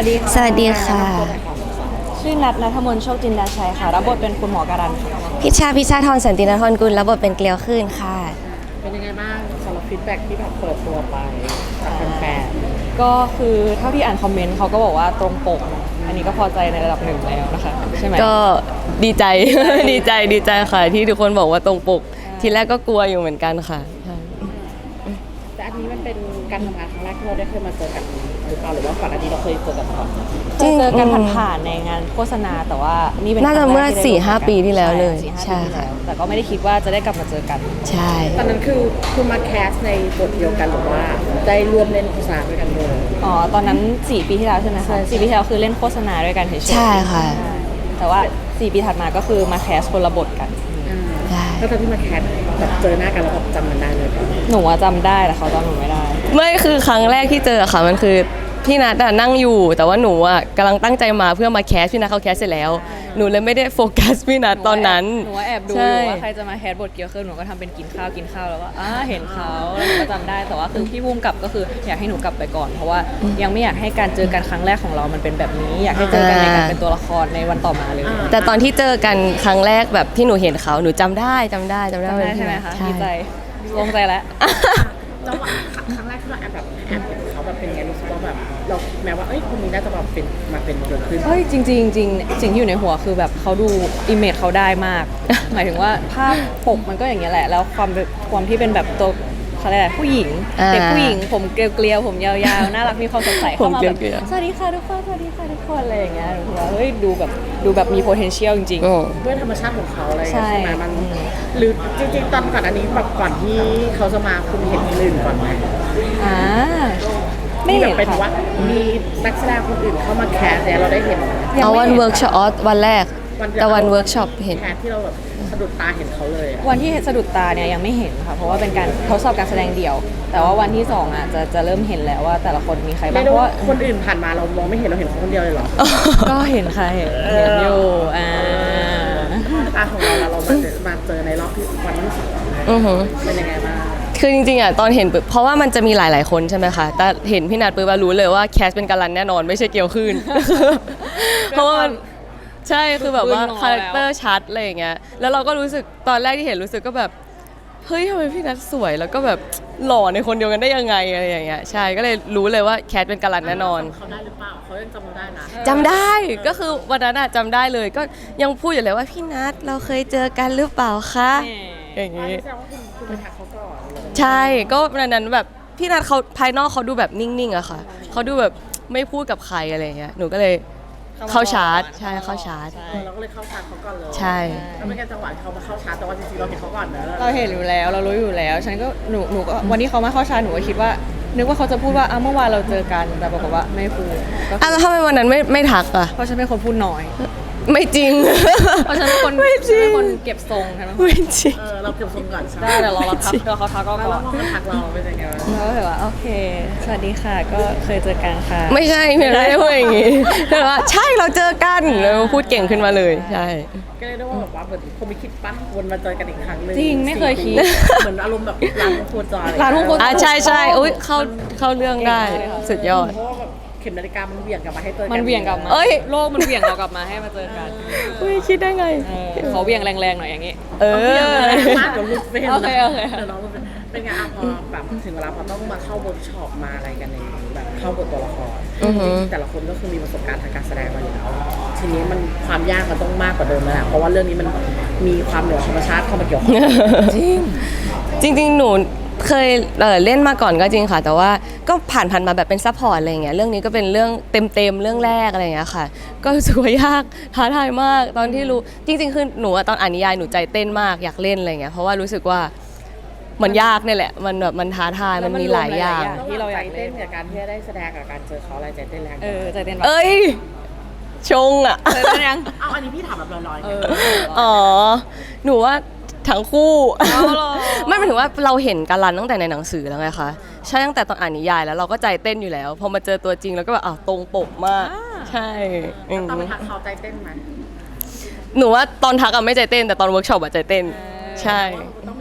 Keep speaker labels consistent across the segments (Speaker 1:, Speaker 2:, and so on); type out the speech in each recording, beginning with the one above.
Speaker 1: ดี
Speaker 2: สวัสดีค่ะ
Speaker 1: ชื่อณัฐมนต์โชคจินดาชัยค่ะรับบทเป็นคุณหมอการันค่ะ
Speaker 2: พิชชาธรสันตินทรกุลรับบทเป็นเกลียวคลื่นค่ะ
Speaker 3: เป็นยังไงบ้างสำหรับฟีดแบ็กที่แบบเปิดตัวไปจากแฟน
Speaker 1: ก็คือเท่าที่อ่านคอมเมนต์เขาก็บอกว่าตรงปกอันนี้ก็พอใจในระดับหนึ่งแล้วนะคะใช่ไหม
Speaker 2: ก็ดีใจ ดีใจค่ะที่ทุกคนบอกว่าตรงปกทีแรกก็กลัวอยู่เหมือนกันค่ะ
Speaker 3: แต่อันนี้มันเป็นการทำงานครั้งแรกที่เราได้เคยมาเจอกันหรือเปล่าหรือว่าก่อนอันนี้เราเคยเจอกันมาก่อน
Speaker 1: เคยเจอกันผ่านๆในงานโฆษณาแต่ว่านี่เป็น
Speaker 2: น่าจะเมื่อ 4-5 ปีที่แล้วเลย
Speaker 1: ใช่ค่ะแต่ก็ไม่ได้คิดว่าจะได้กลับมาเจอกัน
Speaker 2: ใช่
Speaker 3: ตอนนั้นคือคุณมาแคสในบทเดียวกันหรือว่าได้ร่วมเล่นโฆษณาด้วยกันเลย
Speaker 1: อ๋อตอนนั้น4 ปีที่แล้วใช่ไหมคะ4 ปีที่แล้วคือเล่นโฆษณาด้วยกันเฉยๆ
Speaker 2: ใช่ค่ะ
Speaker 1: แต่ว่า4 ปีถัดมาก็คือมาแคสคนละบทกัน
Speaker 3: ก็ตอนที่มาแคสแบบเจอหน้ากันแล้วแบบจำมันได้เลย
Speaker 1: หนูจำได้แต่เขาจำหนูไม่ได้
Speaker 2: ไม่คือครั้งแรกที่เจอค่ะมันคือพี่นัทนั่งอยู่แต่ว่าหนูกำลังตั้งใจมาเพื่อมาแคสพี่นัทเขาแคสเสร็จแล้วหนูเลยไม่ได้โฟกัสพี่นัทตอนนั้น
Speaker 1: หนูแอบดูอยู่ว่าใครจะมาแคสบทเกียวคือหนูก็ทำเป็นกินข้าวแล้วก็เห็นเขาแล้วหนูก็จำได้แต่ว่าคือพี่พุ่มกับก็คืออยากให้หนูกลับไปก่อนเพราะว่ายังไม่อยากให้การเจอกันครั้งแรกของเรามันเป็นแบบนี้อยากให้เจอกันในการเป็นตัวละครในวันต่อมาเลย
Speaker 2: แต่ตอนที่เจอกันครั้งแรกแบบที่หนูเห็นเขาหนูจำได้
Speaker 1: ใช่ไหมคะดีใจลงใจแล้ว
Speaker 3: แล้วครั้งแรกที่เราแอบเห็นเขาแบบเป็นไงรู้สึกว่าแบบเราคิดแม้ว่าคนนี้น่าจะแบบเป็นมาเป็นเกิดขึ้น
Speaker 1: จริงสิ่งที่อยู่ในหัวคือแบบเขาดูอิมเมจเขาได้มาก หมายถึงว่าภาพปกมันก็อย่างเงี้ยแหละแล้วความที่เป็นแบบตัวเขาเรียกอะไรผู้หญิงเด็กผู้หญิงผมเกลียวผมยาวๆน่ารักมีความสดใสเข้ามาแบบสวัสดีค่ะทุกคนอะไรอย่างเงี้ยถือว่าดูแบบมี potential จริง
Speaker 3: ๆด้วยธรรมชาติของเขาอะไรใช่ไหมมันหรือจริงๆตอนก่อนอันนี้แบบก่อนที่เขาจะมาคุณเห็นคนอื่นก่อนไหม
Speaker 1: ไม่เห็น
Speaker 3: เป็นว่ามีนักแสดงคนอื่นเข้ามาแคสเนี่ยเราได้เห็น
Speaker 2: เอาวันเวิร์กช็อปวันแรกแต่วันเวิร์กช็อปเห็น
Speaker 3: แคสที่เราแบบสะดุดตาเห็นเขาเลย
Speaker 1: วันที่สะดุดตาเนี่ยยังไม่เห็นค่ะเพราะว่าเป็นการทดสอบการแสดงเดี่ยวแต่ว่าวันที่2จะเริ่มเห็นแล้วว่าแต่ละคนมีใครบ้างเพราะว่า
Speaker 3: คนอื่นผ่านมาเรามองไม่เห็นเราเห็นคนเดียวเลยเหรอ
Speaker 1: ก็เห็นค่ะเห็นอยู่
Speaker 3: ของเรามาเจอในรอบที่วันที่2เป็นยังไงบ้าง
Speaker 2: คือจริงๆตอนเห็นเพราะว่ามันจะมีหลายๆคนใช่ไหมคะแต่เห็นพี่นัทปุ๊บรู้เลยว่าแคสเป็นการันแน่นอนไม่ใช่เกียวขึ้นเพราะว่าใช่คือแบบว่าคาแรคเตอร์ชัดอะไรอย่างเงี้ยแล้วเราก็รู้สึกตอนแรกที่เห็นรู้สึกก็แบบเฮ้ยทำไมพี่นัทสวยแล้วก็แบบหล่อในคนเดียวกันได้ยังไงอะไรอย่างเงี้ยใช่ก็เลยรู้เลยว่าแคสเป็นการันแน่นอน
Speaker 3: เขาได้หรือเปล่าเขายังจำเราได้นะ
Speaker 2: จำได้ก็คือวันนั้นจำได้เลยก็ยังพูดอยู่เลยว่าพี่นัทเราเคยเจอกันหรือเปล่าคะอย่างงี้
Speaker 3: คุณไปทักเขาก่อน
Speaker 2: ใช่ก็วันนั้นแบบพี่นัทเขาภายนอกเขาดูแบบนิ่งๆอะค่ะเขาดูแบบไม่พูดกับใครอะไรเงี้ยหนูก็เลยเข้าชาร์จใช่เข้าชาร์จ
Speaker 3: เราก็เลยเข้าชาร์จเขาก่อนเลย
Speaker 2: ใช่
Speaker 3: แล้วเป็นการจังหวะเขามาเข้าชาร์จแต่ว่าจริงๆเราเห็นเขาก่อนนะ
Speaker 1: เราเห็นอยู่แล้วเรารู้อยู่แล้วฉันก็หนูก็วันที่เขามาเข้าชาร์จหนูก็คิดว่านึกว่าเขาจะพูดว่าเมื่อวานเราเจอกันแต่ปรากฏว่าไม่พูด
Speaker 2: แล้วทำไมวันนั้นไม่ทักอะ
Speaker 1: เพราะฉันเป็นคนพูดน้อย
Speaker 2: ไม่จริง
Speaker 1: เพราะฉันเป็นคนเก็บทรงใช่ไหม
Speaker 2: ไม่จริง
Speaker 3: เราเก็บทรงก่อน
Speaker 1: ได้แต่เราทักเขาทักก็ก่อน
Speaker 3: แล้วเขาทักเราเป็นยังไง
Speaker 1: เราแบบว่าโอเคสวัสดีค่ะก็เคยเจอกันค่ะ
Speaker 2: ไม่ใช่ไม่ได้พูดอย่างงี้แต่ว่าใช่เราเจอกันแล้วพูดเก่งขึ้นมาเลยใช่
Speaker 3: ก็เลยได้ว่าแบบว่าเหมือนคงไม่คิดปั้นวนมาเจอกันอีกครั้งนึง
Speaker 1: จริงไม่เคยคิด
Speaker 3: เหมือนอารมณ์แบบร้านโคจร
Speaker 1: ร้านโคจร
Speaker 2: ใช่อุ้ยเข้าเรื่องได้สุดยอด
Speaker 3: เข็มนาฬิกามันเหวี่ยงกลับมาให้เจอกัน
Speaker 1: มันเหวี่ยงกลับมาโลกมันเหวี่ยงเรากลับมาให้มาเจอกัน
Speaker 2: คิดได้ไง
Speaker 1: เขาเหวี่ยงแรงๆหน่อยอย่างงี้
Speaker 3: เดี๋ยวลุกเฟ้น
Speaker 1: โอเค
Speaker 3: เดี๋ยวน้องเป็นไงพอแบบถึงเวลาพอต้องมาเข้าเวิร์กช็อปมาอะไรกันในแบบเข้าบทตัวละครแต่ละคนก็คือมีประสบการณ์ทางการแสดงมาอยู่แล้วทีนี้มันความยากมันต้องมากกว่าเดิมแล้วแหละเพราะว่าเรื่องนี้มันมีความเหนือธรรมชาติเข้ามาเกี่ยวข้อง
Speaker 2: จริงหนูเคยเล่นมาก่อนก็จริงค่ะแต่ว่าก็ผ่านมาแบบเป็นซัพพอร์ตอะไรอย่างเงี้ยเรื่องนี้ก็เป็นเรื่องเต็มเรื่องแรกอะไรอย่างเงี้ยค่ะก็รู้สึกว่ายากท้าทายมากตอนที่รู้จริงๆคือหนูตอนอ่านนิยายหนูใจเต้นมากอยากเล่นอะไรอย่างเงี้ยเพราะว่ารู้สึกว่ามันยากนี่แหละมันแบบมันท้าทายมันมีหลายอย่าง
Speaker 3: ที่เราอยากเล่นกับการที่ได้แสดงกับการเจอเขาอะไรใจเต้นแรง
Speaker 1: ใจเต้น
Speaker 2: ชงอ่ะ
Speaker 1: ยัง
Speaker 3: อันนี้พี่ถามแบบลอย
Speaker 2: ๆหนูว่าทั้งคู่ไม่หมายถึงว่าเราเห็นการันตั้งแต่ในหนังสือแล้วไงคะใช่ตั้งแต่ตอนอ่านนิยายแล้วเราก็ใจเต้นอยู่แล้วพอมาเจอตัวจริงแล้วก็แบบตรงปกมากใช่
Speaker 3: ตอนไปทักเขาใจเต้นไหม
Speaker 2: หนูว่าตอนทักไม่ใจเต้นแต่ตอนเวิร์กช็อปใจเต้นใช่
Speaker 3: ต้องมีซีนให้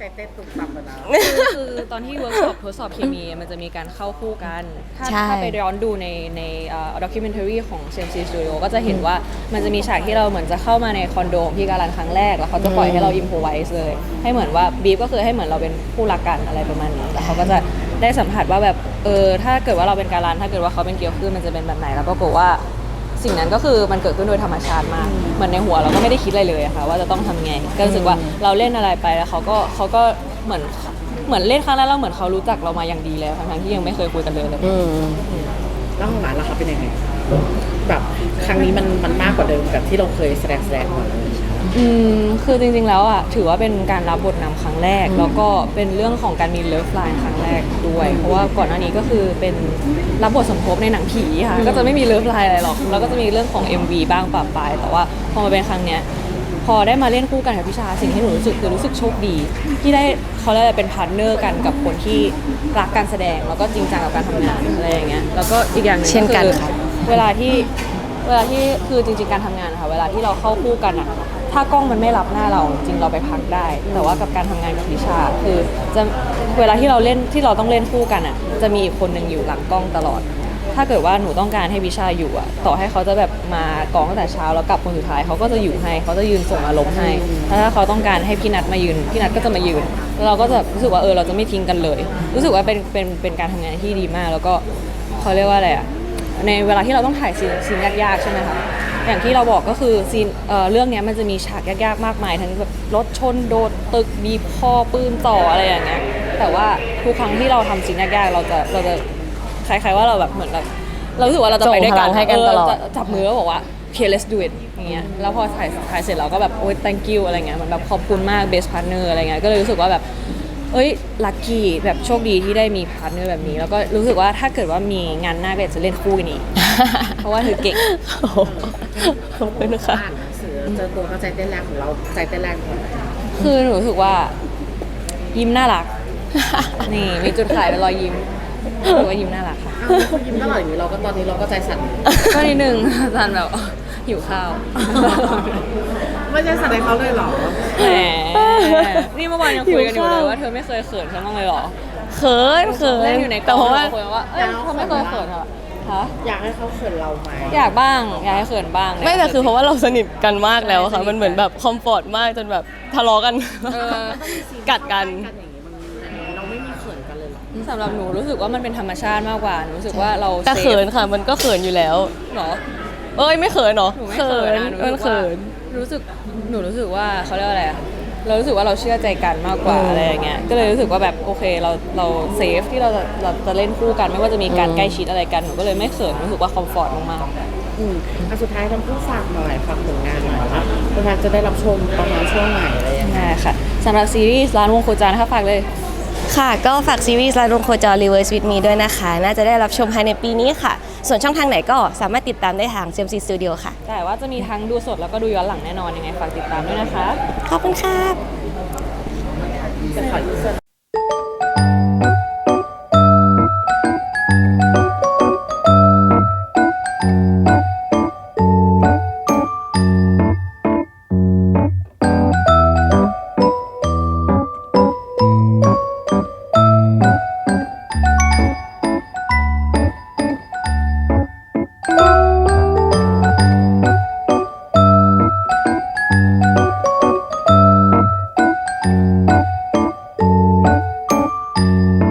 Speaker 3: ใจเต้นตุ่มต่ำกันนะ
Speaker 1: คือตอนที่เวิร์กช็อปทดสอบเคมีมันจะมีการเข้าคู่กัน ถ้า
Speaker 2: ใช่
Speaker 1: ถ้าไปย้อนดูในด็อกิเมนทารีของ CMC Studio ก็จะเห็นว่ามันจะมีฉากที่เราเหมือนจะเข้ามาในคอนโดของพี่การันครั้งแรก แล้วเขาจะปล่อยให้เราอิมพอไวส์เลย ให้เหมือนว่าบีฟก็คือให้เหมือนเราเป็นคู่รักกันอะไรประมาณนี้แล้วเขาก็จะได้สัมผัสว่าแบบถ้าเกิดว่าเราเป็นการันถ้าเกิดว่าเขาเป็นเกียวขึ้นมันจะเป็นแบบไหนแล้วก็ปรากฏว่าสิ่งนั้นก็คือมันเกิดขึ้นโดยธรรมชาติมากเหมือนในหัวเราก็ไม่ได้คิดอะไรเลยอะค่ะว่าจะต้องทำไงก็รู้สึกว่าเราเล่นอะไรไปแล้วเขาก็เหมือนเล่นครั้งแรกแล้วเหมือนเขารู้จักเรามาอย่างดีแล้วทั้งๆที่ยังไม่เคยคุยกันเลย
Speaker 2: อืม
Speaker 3: แล้วของหลานล่ะครับเป็นยังไงแบบครั้งนี้มันมากกว่าเดิมกับที่เราเคยแสดงมาเลย
Speaker 1: คือจริงๆแล้วอ่ะถือว่าเป็นการรับบทนำครั้งแรก แล้วก็เป็นเรื่องของการมีเลิฟไลน์ครั้งแรกด้วย เพราะว่าก่อนหน้านี้ก็คือเป็นรับบทสมทบในหนังผีค่ะก็จะไม่มีเลิฟไลน์อะไรหรอกแล้วก็จะมีเรื่องของ MV บ้างปะปายแต่ว่าพอมาเป็นครั้งเนี้ยพอได้มาเล่นคู่กันกับพิชาสิ่งที่หนูรู้สึกคือรู้สึกโชคดี ที่ได้เขาเรียกอะไรเป็นพาร์ทเนอร์กันกับคนที่รักการแสดงแล้วก็จริงจังกับการทำงานอะไรอย่างเงี้ยแล้วก็อีกอย่างหนึง
Speaker 2: เช่นกัน
Speaker 1: คือ
Speaker 2: ค่ะ
Speaker 1: เวลาที่คือจริงๆการทำงานค่ะเวลาที่เราเข้าคู่กันอะถ้ากล้องมันไม่รับหน้าเราจริงเราไปพักได้ แต่ว่ากับการทำงานกับพิชาคือจะเวลาที่เราเล่นที่เราต้องเล่นคู่กันอะจะมีอีกคนหนึ่งอยู่หลังกล้องตลอด ถ้าเกิดว่าหนูต้องการให้พิชาอยู่อะต่อให้เขาจะแบบมากองตั้งแต่เช้าแล้วกลับคนสุดท้ายเขาก็จะอยู่ให้เขาจะยืนส่งอารมณ์ให้แล้วถ้าเขาต้องการให้พี่นัทมายืนพี่นัทก็จะมายืนแล้วเราก็จะรู้สึกว่าเราจะไม่ทิ้งกันเลย รู้สึกว่าเป็นการทำงานที่ดีมาก แล้วก็เขาเรียกว่าอะไรอะในเวลาที่เราต้องถ่ายซีนยากๆใช่ไหมคะอย่างที่เราบอกก็คือซีนเรื่องเนี้ยมันจะมีฉากยากๆมากมายทั้งแบบรถชนโดดตึกบีบคอปืนต่ออะไรอย่างเงี้ยแต่ว่าทุกครั้งที่เราทำซีนยากๆเราจะคล้ายๆว่าเราแบบเหมือนแบบเรารู้สึกว่าเราจะไปด้วยกัน
Speaker 2: ส่งพลังให้กันตลอด
Speaker 1: จะจับมือแล้วบอกว่า okay let's do it อย่างเงี้ยแล้วพอถ่ายเสร็จเราก็แบบโอ๊ย thank you อะไรเงี้ยเหมือนแบบขอบคุณมาก best partner อะไรเงี้ยก็เลยรู้สึกว่าแบบลัคกี้แบบโชคดีที่ได้มีพาร์ทเนอร์แบบนี้ แล้วก็รู้สึกว่าถ้าเกิดว่ามีงานหน้าก็อยากจะเล่นคู่กันอีก เพราะว่าเธอเก่ง
Speaker 2: โอ้โหขอบคุณค่ะ
Speaker 3: อ่านหนังสือเจอตัวก็ใจเต้นแรงของเราใจเต้นแรงของเรา
Speaker 1: คือหนูรู้สึกว่ายิ้มน่ารัก นี่มีจุดขายเป็นรอยยิ้มรู้สึกว่ายิ้มน่ารักค่ะ
Speaker 3: อ้าวเขายิ้มตลอดอย่างนี้เราก็ตอนนี้เราก็ใจสั่น
Speaker 1: ก็นิดนึง อาจารย์แบบหิวข้าว
Speaker 3: ไม่ใช่สั่นในเขาเลยเหรอ
Speaker 1: แหมนี่เมื่อวานยังคุยกันอยู่เลยว่าเธอไม่เคยเขินฉันบ้างเลยเหรอ
Speaker 2: เขิน
Speaker 1: เล่นอยู่ในก
Speaker 2: แต่
Speaker 1: อง
Speaker 2: เพราะว่า
Speaker 1: คุยว่าเธอไม่เคยเขินเหรอฮะ
Speaker 3: อยากให้เขาเขินเราไหม
Speaker 1: อยากบ้างอยากให้เขินบ้าง
Speaker 2: ไม่แต่คือเพราะว่าเราสนิทกันมากแล้วอะค่ะ
Speaker 1: ใช่
Speaker 2: มันเหมือนแบบคอมฟอร์ตมากจนแบบทะเลาะกัน กัดกัน
Speaker 3: อย่างนี้มันเราไม่มีเขินกันเลยเหรอ
Speaker 1: สำหรับหนูรู้สึกว่ามันเป็นธรรมชาติมากกว่าหนูรู้สึกว่าเรา
Speaker 2: แต่เขิน
Speaker 1: ซฟ
Speaker 2: ค่ะ มันก็เขินอยู่แล้ว
Speaker 1: เหรอ
Speaker 2: เอ้ยไม่เขินเหรอ
Speaker 1: หนูไม่เขินนะ
Speaker 2: มันเขิน
Speaker 1: หนูรู้สึกว่าเขาเรียกว่าอะไรอะเรารู้สึกว่าเราเชื่อใจกันมากกว่าอะไรอย่างเงี้ยก็เลยรู้สึกว่าแบบโอเคเราเซฟที่เราจะเล่นคู่กันไม่ว่าจะมีการใกล้ชิดอะไรกันหนูก็เลยไม่เขินรู้สึกว่าคอมฟอร์ตมากๆ
Speaker 3: อันสุดท้ายทำผู้ฝากหน่อยฝากผลงานหน่อยครับประธานจะได้รับชมประมาณช่วงไหนอะไรอย่างเงี้ย
Speaker 1: ได้ค่ะสำหรับซีรีส์ร้านวงโคจรนะคะฝากเลย
Speaker 2: ค่ะ ก็ฝากซีรีส์ลาลงโคจร Reverse with me ด้วยนะคะ น่าจะได้รับชมภายในปีนี้ค่ะ ส่วนช่องทางไหนก็สามารถติดตามได้ทาง CMC Studio ค่ะ
Speaker 1: แต่ว่าจะมีทั้งดูสดแล้วก็ดูย้อนหลังแน่นอนยังไงฝากติดตามด้วยนะคะ
Speaker 2: ขอบคุณค่ะ
Speaker 3: จะขออีกเสื้อ